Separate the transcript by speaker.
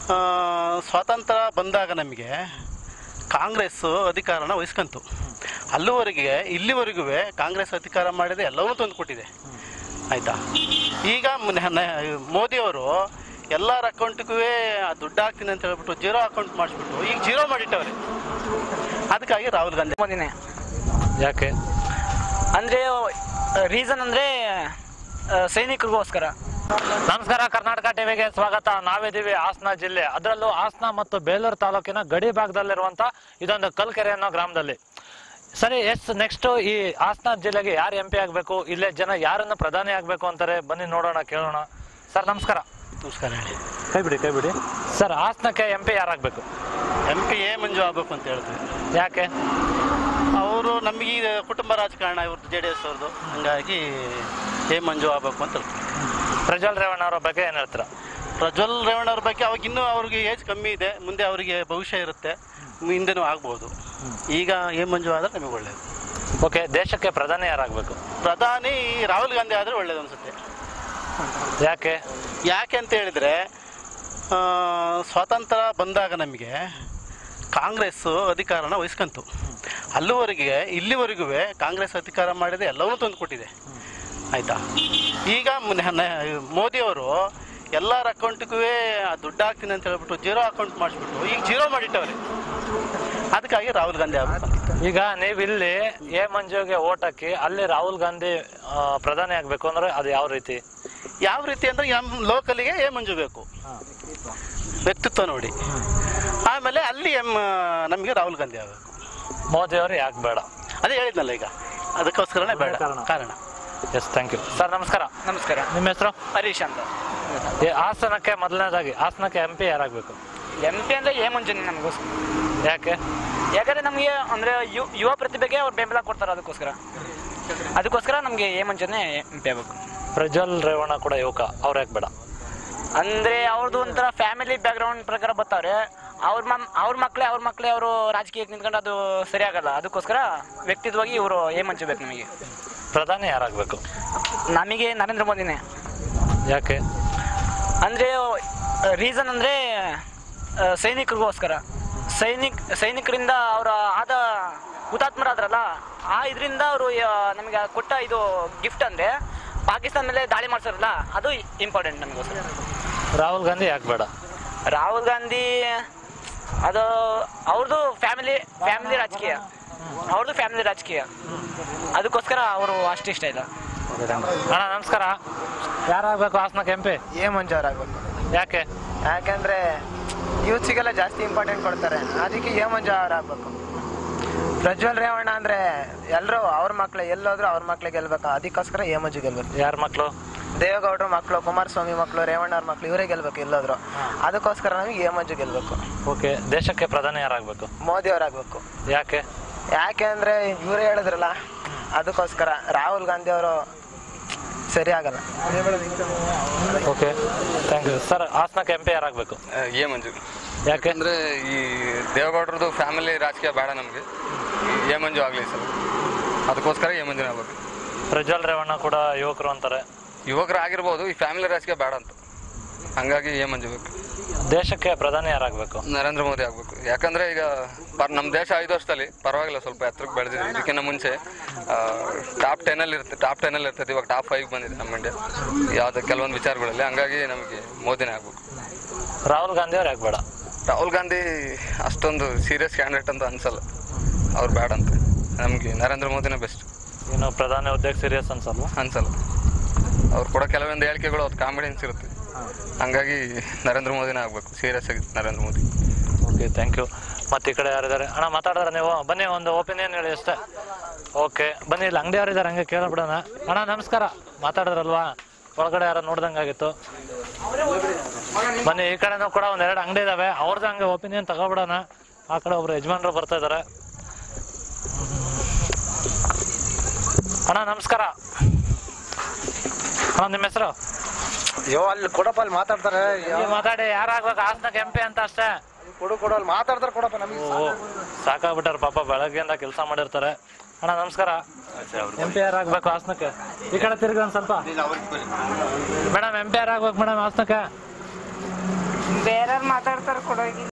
Speaker 1: ಸ್ವಾತಂತ್ರ್ಯ ಬಂದಾಗ ನಮಗೆ ಕಾಂಗ್ರೆಸ್ಸು ಅಧಿಕಾರನ ವಹಿಸ್ಕೊಂತು. ಇಲ್ಲಿವರೆಗೂ ಕಾಂಗ್ರೆಸ್ ಅಧಿಕಾರ ಮಾಡಿದೆ ಎಲ್ಲವೂ ತಂದುಕೊಟ್ಟಿದೆ, ಆಯಿತಾ. ಈಗ ಮೋದಿಯವರು ಎಲ್ಲರ ಅಕೌಂಟಿಗೂ ದುಡ್ಡು ಹಾಕ್ತೀನಿ ಅಂತ ಹೇಳ್ಬಿಟ್ಟು ಜೀರೋ ಅಕೌಂಟ್ ಮಾಡಿಸ್ಬಿಟ್ಟು ಈಗ ಜೀರೋ ಮಾಡಿಟ್ಟವ್ರೆ. ಅದಕ್ಕಾಗಿ ರಾಹುಲ್ ಗಾಂಧಿ
Speaker 2: ಮೋದಿನೇ.
Speaker 3: ಯಾಕೆ
Speaker 2: ಅಂದರೆ ರೀಸನ್ ಅಂದರೆ ಸೈನಿಕರಿಗೋಸ್ಕರ.
Speaker 3: ನಮಸ್ಕಾರ, ಕರ್ನಾಟಕ ಟಿವಿಗೆ ಸ್ವಾಗತ. ನಾವಿದ್ದೀವಿ ಹಾಸನ ಜಿಲ್ಲೆ, ಅದರಲ್ಲೂ ಹಾಸನ ಮತ್ತು ಬೇಲೂರು ತಾಲೂಕಿನ ಗಡಿ ಭಾಗದಲ್ಲಿರುವಂತ ಇದೊಂದು ಕಲ್ಕೆರೆ ಅನ್ನೋ ಗ್ರಾಮದಲ್ಲಿ. ಸರಿ, ನೆಕ್ಸ್ಟ್ ಈ ಹಾಸನ ಜಿಲ್ಲೆಗೆ ಯಾರು MP ಆಗಬೇಕು, ಇಲ್ಲೇ ಜನ ಯಾರನ್ನ ಪ್ರಧಾನಿ ಆಗಬೇಕು ಅಂತಾರೆ, ಬನ್ನಿ ನೋಡೋಣ, ಕೇಳೋಣ. ಸರ್ ನಮಸ್ಕಾರ.
Speaker 1: ನಮಸ್ಕಾರ. ಹೇಳಿ.
Speaker 3: ಕೈ ಬಿಡಿ. ಸರ್, ಹಾಸನಕ್ಕೆ MP ಯಾರಾಗಬೇಕು?
Speaker 1: MP ಎ ಮಂಜು ಆಗಬೇಕು ಅಂತ ಹೇಳ್ತೀವಿ.
Speaker 3: ಯಾಕೆ?
Speaker 1: ಅವರು ನಮಗೆ ಕುಟುಂಬ ರಾಜಕಾರಣ, ಇವ್ರದ್ದು JDS ಅವ್ರದ್ದು, ಹಂಗಾಗಿ ಎ ಮಂಜು ಆಗಬೇಕು ಅಂತ ಹೇಳ್ತೀವಿ.
Speaker 3: ಪ್ರಜ್ವಲ್ ರೇವಣ್ಣ ಅವರ ಬಗ್ಗೆ ಏನು ಹೇಳ್ತೀರಾ?
Speaker 1: ಪ್ರಜ್ವಲ್ ರೇವಣ್ಣ ಅವ್ರ ಬಗ್ಗೆ ಅವಾಗ ಇನ್ನೂ ಅವ್ರಿಗೆ ಏಜ್ ಕಮ್ಮಿ ಇದೆ, ಮುಂದೆ ಅವರಿಗೆ ಭವಿಷ್ಯ ಇರುತ್ತೆ, ಹಿಂದೆನೂ ಆಗ್ಬೋದು. ಈಗ ಎ ಮಂಜು ಆದರೆ ನಮಗೆ ಒಳ್ಳೆಯದು.
Speaker 3: ಓಕೆ, ದೇಶಕ್ಕೆ ಪ್ರಧಾನಿ ಯಾರಾಗಬೇಕು?
Speaker 1: ಪ್ರಧಾನಿ ರಾಹುಲ್ ಗಾಂಧಿ ಆದರೆ ಒಳ್ಳೇದು ಅನಿಸುತ್ತೆ. ಯಾಕೆ ಅಂತ ಹೇಳಿದರೆ, ಸ್ವಾತಂತ್ರ್ಯ ಬಂದಾಗ ನಮಗೆ ಕಾಂಗ್ರೆಸ್ಸು ಅಧಿಕಾರನ ವಹಿಸ್ಕೊಂತು. ಇಲ್ಲಿವರೆಗೂ ಕಾಂಗ್ರೆಸ್ ಅಧಿಕಾರ ಮಾಡಿದೆ ಎಲ್ಲವೂ ತಂದುಕೊಟ್ಟಿದೆ, ಆಯಿತಾ. ಈಗ ಮೋದಿಯವರು ಎಲ್ಲರ ಅಕೌಂಟಿಗೂ ದುಡ್ಡು ಹಾಕ್ತೀನಿ ಅಂತ ಹೇಳ್ಬಿಟ್ಟು ಜೀರೋ ಅಕೌಂಟ್ ಮಾಡಿಸ್ಬಿಟ್ಟು ಈಗ ಜೀರೋ ಮಾಡಿಟ್ಟವ್ರೆ. ಅದಕ್ಕಾಗಿ ರಾಹುಲ್ ಗಾಂಧಿ ಆಗಬೇಕು.
Speaker 3: ಈಗ ನೀವು ಇಲ್ಲಿ ಎ ಮಂಜುಗೆ ಓಟ್ ಹಾಕಿ ಅಲ್ಲಿ ರಾಹುಲ್ ಗಾಂಧಿ ಪ್ರಧಾನಿ ಆಗಬೇಕು ಅಂದ್ರೆ ಅದು ಯಾವ ರೀತಿ
Speaker 1: ಅಂದರೆ ನಮ್ಮ ಲೋಕಲಿಗೆ ಎ ಮಂಜು ಬೇಕು, ವ್ಯಕ್ತಿತ್ವ ನೋಡಿ. ಆಮೇಲೆ ಅಲ್ಲಿ ನಮಗೆ ರಾಹುಲ್ ಗಾಂಧಿ ಆಗಬೇಕು.
Speaker 3: ಮೋದಿ ಅವರು ಯಾಕೆ ಬೇಡ?
Speaker 1: ಅದೇ ಹೇಳಿದ್ನಲ್ಲ, ಈಗ ಅದಕ್ಕೋಸ್ಕರನೇ ಬೇಡ ಕಾರಣ.
Speaker 3: S, thank you. ಸರ್ ನಮಸ್ಕಾರ.
Speaker 2: ನಮಸ್ಕಾರ.
Speaker 3: ನಿಮ್ಮ ಹೆಸರು?
Speaker 2: ಹರೀಶ್ ಅಂತ.
Speaker 3: ಹಾಸನಕ್ಕೆ ಮೊದಲನೇದಾಗಿ ಹಾಸನಕ್ಕೆ MP ಯಾರಾಗಬೇಕು?
Speaker 2: MP ಅಂದರೆ ಎ ಮಂಜುನೇ ನಮಗೋಸ್ಕರ.
Speaker 3: ಯಾಕಂದ್ರೆ
Speaker 2: ನಮಗೆ ಅಂದರೆ ಯುವ ಪ್ರತಿಭೆಗೆ ಅವ್ರು ಬೆಂಬಲ ಕೊಡ್ತಾರೆ, ಅದಕ್ಕೋಸ್ಕರ ನಮಗೆ ಎ ಮಂಜುನೇ MP ಆಗಬೇಕು.
Speaker 3: ಪ್ರಜ್ವಲ್ ರೇವಣ್ಣ ಕೂಡ ಯುವಕ, ಅವ್ರು ಯಾಕೆ ಬೇಡ?
Speaker 2: ಅಂದರೆ ಅವ್ರದ್ದು ಒಂಥರ ಫ್ಯಾಮಿಲಿ ಬ್ಯಾಕ್ಗ್ರೌಂಡ್ ಪ್ರಕಾರ ಬರ್ತಾವ್ರೆ, ಅವ್ರ ಮಕ್ಕಳೇ ಅವರು ರಾಜಕೀಯಕ್ಕೆ ನಿಂತ್ಕೊಂಡು ಅದು ಸರಿಯಾಗಲ್ಲ. ಅದಕ್ಕೋಸ್ಕರ ವ್ಯಕ್ತಿತ್ವವಾಗಿ ಇವರು ಎ ಮಂಜು ಬೇಕು ನಮಗೆ.
Speaker 3: ಪ್ರಧಾನಿ ಯಾರಾಗಬೇಕು?
Speaker 2: ನಮಗೆ ನರೇಂದ್ರ ಮೋದಿನೇ.
Speaker 3: ಯಾಕೆ?
Speaker 2: ಅಂದರೆ ರೀಸನ್ ಅಂದರೆ ಸೈನಿಕರಿಗೋಸ್ಕರ. ಸೈನಿಕರಿಂದ ಅವರ ಹುತಾತ್ಮರಾದ್ರಲ್ಲ, ಇದರಿಂದ ಅವರು ನಮಗೆ ಕೊಟ್ಟ ಇದು ಗಿಫ್ಟ್ ಅಂದರೆ ಪಾಕಿಸ್ತಾನ ಮೇಲೆ ದಾಳಿ ಮಾಡ್ಸಾರಲ್ಲ, ಅದು ಇಂಪಾರ್ಟೆಂಟ್ ನಮಗೋಸ್ಕರ.
Speaker 3: ರಾಹುಲ್ ಗಾಂಧಿ ಯಾಕೆ ಬೇಡ?
Speaker 2: ರಾಹುಲ್ ಗಾಂಧಿ ಅದು ಅವ್ರದ್ದು ಫ್ಯಾಮಿಲಿ ರಾಜಕೀಯ, ಅದಕ್ಕೋಸ್ಕರ ಅವರು ಅಷ್ಟು ಇಷ್ಟ ಇಲ್ಲ.
Speaker 3: ಅಣ್ಣ ನಮಸ್ಕಾರ. ಯಾರಾಗಬೇಕು ಹಾಸನಕ್ಕೆ MP?
Speaker 4: ಎ ಮಂಜು ಅವರಾಗಬೇಕು. ಯಾಕೆಂದರೆ ಯೂತ್ಸಿಗೆಲ್ಲ ಜಾಸ್ತಿ ಇಂಪಾರ್ಟೆಂಟ್ ಕೊಡ್ತಾರೆ, ಅದಕ್ಕೆ ಎ ಮಂಜು ಅವರಾಗಬೇಕು. ಪ್ರಜ್ವಲ್ ರೇವಣ್ಣ ಅಂದರೆ ಎಲ್ಲರೂ ಅವ್ರ ಮಕ್ಕಳು, ಎಲ್ಲೋದ್ರೂ ಅವ್ರ ಮಕ್ಳಿಗೆ ಗೆಲ್ಬೇಕು, ಅದಕ್ಕೋಸ್ಕರ ಎ ಮಂಜು ಗೆಲ್ಬೇಕು.
Speaker 3: ಯಾರ ಮಕ್ಕಳು?
Speaker 4: ದೇವೇಗೌಡರ ಮಕ್ಕಳು, ಕುಮಾರಸ್ವಾಮಿ ಮಕ್ಕಳು, ರೇವಣ್ಣ ಅವ್ರ ಮಕ್ಕಳು, ಇವರೇ ಗೆಲ್ಬೇಕು ಎಲ್ಲೋದ್ರು. ಅದಕ್ಕೋಸ್ಕರ ನಮಗೆ ಎ ಮಂಜು ಗೆಲ್ಬೇಕು.
Speaker 3: ಓಕೆ, ದೇಶಕ್ಕೆ ಪ್ರಧಾನಿ ಯಾರಾಗಬೇಕು?
Speaker 4: ಮೋದಿ ಅವರಾಗಬೇಕು.
Speaker 3: ಯಾಕೆ
Speaker 4: ಅಂದರೆ ಇವರೇ ಹೇಳಿದ್ರಲ್ಲ, ಅದಕ್ಕೋಸ್ಕರ. ರಾಹುಲ್ ಗಾಂಧಿ ಅವರು ಸರಿ ಆಗಲ್ಲ.
Speaker 3: Okay, thank you. ಸರ್, ಹಾಸನಕ್ಕೆ MP ಯಾರಾಗಬೇಕು?
Speaker 5: ಎ ಮಂಜು.
Speaker 3: ಯಾಕೆಂದ್ರೆ
Speaker 5: ಈ ದೇವೇಗೌಡರದು ಫ್ಯಾಮಿಲಿ ರಾಜಕೀಯ ಬೇಡ ನಮಗೆ, ಎ ಮಂಜು ಆಗಲಿ ಸರ್, ಅದಕ್ಕೋಸ್ಕರ ಎ ಮಂಜುನೇ ಆಗಬೇಕು.
Speaker 3: ಪ್ರಜ್ವಲ್ ರೇವಣ್ಣ ಕೂಡ ಯುವಕರು ಅಂತಾರೆ.
Speaker 5: ಯುವಕರು ಆಗಿರ್ಬೋದು, ಈ ಫ್ಯಾಮಿಲಿ ರಾಜಕೀಯ ಬೇಡ ಅಂತ, ಹಂಗಾಗಿ ಎ ಮಂಜು ಬೇಕು.
Speaker 3: ದೇಶಕ್ಕೆ ಪ್ರಧಾನಿ ಯಾರಾಗಬೇಕು?
Speaker 5: ನರೇಂದ್ರ ಮೋದಿ ಆಗಬೇಕು. ಯಾಕಂದರೆ ಈಗ ನಮ್ಮ ದೇಶ 5 ವರ್ಷದಲ್ಲಿ ಪರವಾಗಿಲ್ಲ, ಸ್ವಲ್ಪ ಎತ್ತರಕ್ಕೆ ಬೆಳೆದಿದೆ. ಇದಕ್ಕಿಂತ ಮುಂಚೆ ಟಾಪ್ 10 ಇರ್ತದೆ, ಇವಾಗ ಟಾಪ್ 5 ಬಂದಿದೆ ನಮ್ಮ ಇಂಡಿಯಾ ಯಾವುದೇ ಕೆಲವೊಂದು ವಿಚಾರಗಳಲ್ಲಿ. ಹಂಗಾಗಿ ನಮಗೆ ಮೋದಿನೇ ಆಗಬೇಕು.
Speaker 3: ರಾಹುಲ್ ಗಾಂಧಿ ಅವ್ರು ಯಾಕೆ ಬೇಡ?
Speaker 5: ರಾಹುಲ್ ಗಾಂಧಿ ಅಷ್ಟೊಂದು ಸೀರಿಯಸ್ ಕ್ಯಾಂಡಿಡೇಟ್ ಅಂತ ಅನ್ಸಲ್ಲ, ಅವ್ರು ಬೇಡ ಅಂತ. ನಮಗೆ ನರೇಂದ್ರ ಮೋದಿನೇ ಬೆಸ್ಟ್.
Speaker 3: ಇನ್ನು ಪ್ರಧಾನಿ ಹುದ್ದೆಗೆ ಸೀರಿಯಸ್
Speaker 5: ಅನ್ಸಲ್ಲ. ಅವ್ರು ಕೂಡ ಕೆಲವೊಂದು ಹೇಳಿಕೆಗಳು ಅದು ಕಾಮಿಡಿಯನ್ಸ್ ಇರುತ್ತೆ, ಹಂಗಾಗಿ ನರೇಂದ್ರ ಮೋದಿನೇ ಆಗಬೇಕು. ಸೀರಿಯಸ್ ಆಗಿ Narendra Modi.
Speaker 3: Okay, thank you. ಮತ್ತೆ ಈ ಕಡೆ ಯಾರಿದ್ದಾರೆ ಅಣ್ಣ? ಮಾತಾಡಿದ್ರೆ ನೀವು ಬನ್ನಿ, ಒಂದು ಒಪಿನಿಯನ್ ಹೇಳಿ ಅಷ್ಟೇ. ಓಕೆ, ಬನ್ನಿ, ಇಲ್ಲಿ ಅಂಗಡಿಯವರಿದ್ದಾರೆ, ಹಂಗೆ ಕೇಳಬಿಡೋಣ. ಅಣ್ಣ ನಮಸ್ಕಾರ. ಮಾತಾಡಿದ್ರಲ್ವಾ, ಒಳಗಡೆ ಯಾರು ನೋಡ್ದಂಗಾಗಿತ್ತು. ಬನ್ನಿ, ಈ ಕಡೆನೂ ಕೂಡ 1-2 ಅಂಗಡಿ ಇದಾವೆ, ಅವ್ರದ್ದು ಹಂಗೆ ಒಪಿನಿಯನ್ ತಗೊಬಿಡೋಣ. ಆ ಕಡೆ ಒಬ್ರು ಯಜಮಾನ್ರು ಬರ್ತಾ ಇದ್ದಾರೆ. ಅಣ್ಣ ನಮಸ್ಕಾರ. ಅಣ್ಣ ನಿಮ್ಮ ಹೆಸರು?
Speaker 4: ಅಲ್ಲಿ ಕೊಡಪ್ಪ, ಅಲ್ಲಿ ಮಾತಾಡ್ತಾರೆ.
Speaker 3: ಮಾತಾಡಿ, ಯಾರಾಗ್ಬೇಕು ಹಾಸನಕ್ಕೆ MP ಅಂತ ಅಷ್ಟೇ.
Speaker 4: ಕೊಡು ಅಲ್ಲಿ ಮಾತಾಡ್ತಾರೆ, ಕೊಡಪ್ಪ. ನಮಗೆ
Speaker 3: ಸಾಕಾಗ್ಬಿಟ್ಟಾರ ಪಾಪ, ಬೆಳಗ್ಗೆಯಿಂದ ಕೆಲಸ ಮಾಡಿರ್ತಾರೆ. ಅಣ್ಣ ನಮಸ್ಕಾರ. MP ಯಾರಾಗ್ಬೇಕು ಹಾಸನಕ್ಕೆ? ಈ ಕಡೆ ತಿರುಗಿ ಒಂದ್ ಸ್ವಲ್ಪ. ಮೇಡಮ್ MP ಯಾರಾಗ್ಬೇಕು ಮೇಡಮ್ ಹಾಸನಕ್ಕೆ?
Speaker 2: ಬೇರೆಯವ್ರು
Speaker 6: ಮಾತಾಡ್ತಾರೆ ಕೊಡೋಗಿ